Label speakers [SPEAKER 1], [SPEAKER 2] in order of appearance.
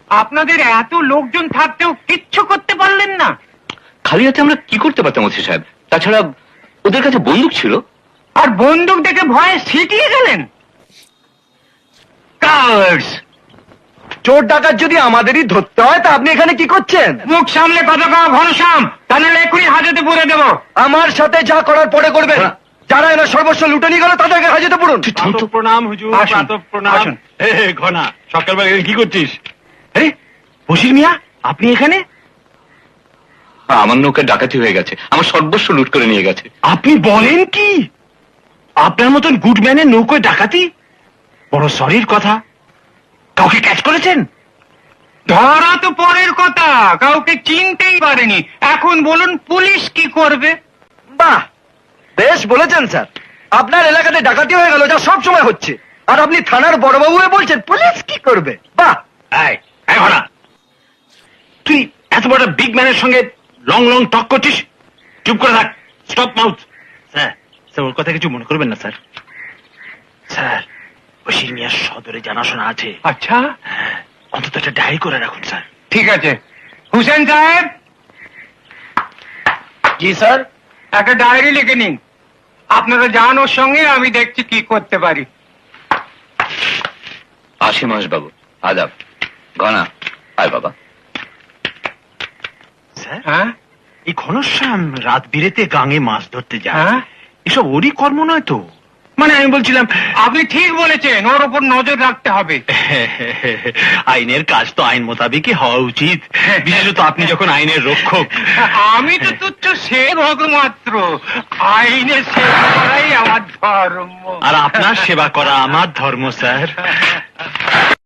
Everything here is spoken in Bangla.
[SPEAKER 1] আপনাদের এত লোকজন থাকতেও কিচ্ছু করতে পারলেন না?
[SPEAKER 2] খালি হাতে আমরা কি করতে পারতাম ওসি সাহেব? তাছাড়া ওদের কাছে বন্দুক ছিল।
[SPEAKER 1] আর বন্দুক দেখে ভয়ে সিটিয়ে গেলেন? কার্স!
[SPEAKER 3] চোর ডাকাত যদি আমাদেরই ধরতে হয় তা আপনি এখানে কি করছেন?
[SPEAKER 1] মুখ সামলে কথা কওয়া ঘনশ্যাম, তা নাহলে এক্ষুনি হাজতে পুরে দেবো।
[SPEAKER 3] আমার সাথে যা করার পরে করবেন। যারা এনার সর্বস্ব লুটে নিয়ে গেল তাদেরকে হাজতে পুরুন।
[SPEAKER 4] প্রণাম হুজুর,
[SPEAKER 1] আসুন,
[SPEAKER 4] প্রাতঃ প্রণাম।
[SPEAKER 1] আসুন।
[SPEAKER 4] ঘনা, সকালবেলা এখানে কি করছিস?
[SPEAKER 1] আরে বশির মিয়া, আপনি এখানে?
[SPEAKER 2] আমার নৌকা ডাকাতি হয়ে গেছে, আমার সর্বস্ব লুট করে নিয়ে গেছে।
[SPEAKER 1] আপনি বলেন কি? আপনার মতন গুডম্যানের নৌকোয় ডাকাতি? বড় সরির কথা। কাউকে ক্যাচ করেছেন? ধরা তো পরের কথা, কাউকে চিনতেই পারেনি। এখন বলুন পুলিশ কি করবে?
[SPEAKER 3] বাহ, বেশ বলেছেন স্যার। আপনার এলাকাতে ডাকাতি হয়ে গেল, যা সব সময় হচ্ছে, আর আপনি থানার বড়বাবু হয়ে বলছেন পুলিশ কি করবে? বাহ।
[SPEAKER 1] ঘনা, তুই এত বড় বিগ ম্যানের সঙ্গে লং লং টক করছিস? চুপ করে থাক, স্টপ মাউথ। স্যার, স্যার ওর কথা কিছু মনে করবেন না স্যার। স্যার, বশির মিয়ার সদরে জানাশোনা আছে। আচ্ছা, অন্তত একটা ডায়েরি করে রাখুন স্যার। ঠিক আছে। হুসেন সাহেব।
[SPEAKER 3] জি স্যার।
[SPEAKER 1] একটা ডায়েরি লিখে নিন। আপনারা যান ওর সঙ্গে, আমি দেখছি কি করতে পারি।
[SPEAKER 2] আসি মহেশ বাবু, আদাব। ঘনা, আয় বাবা।
[SPEAKER 5] স্যার,
[SPEAKER 1] হ্যাঁ
[SPEAKER 5] এই ঘনশ্যাম রাত বিরেতে গাঙে মাছ ধরতে যায়,
[SPEAKER 1] হ্যাঁ,
[SPEAKER 5] এসব ওরই কর্ম নয় তো? মানে আমি বলছিলাম,
[SPEAKER 1] আপনি ঠিক বলেছেন, ওর ওপর নজর রাখতে হবে।
[SPEAKER 5] আইনের কাজ তো আইন মোতাবেকই হওয়া উচিত, বিশেষত আপনি যখন আইনের রক্ষক।
[SPEAKER 1] আমি তো তুচ্ছ সেবক মাত্র, আইনের সেবা করাই আমার ধর্ম।
[SPEAKER 5] আর আপনার সেবা করা আমার ধর্ম, স্যার।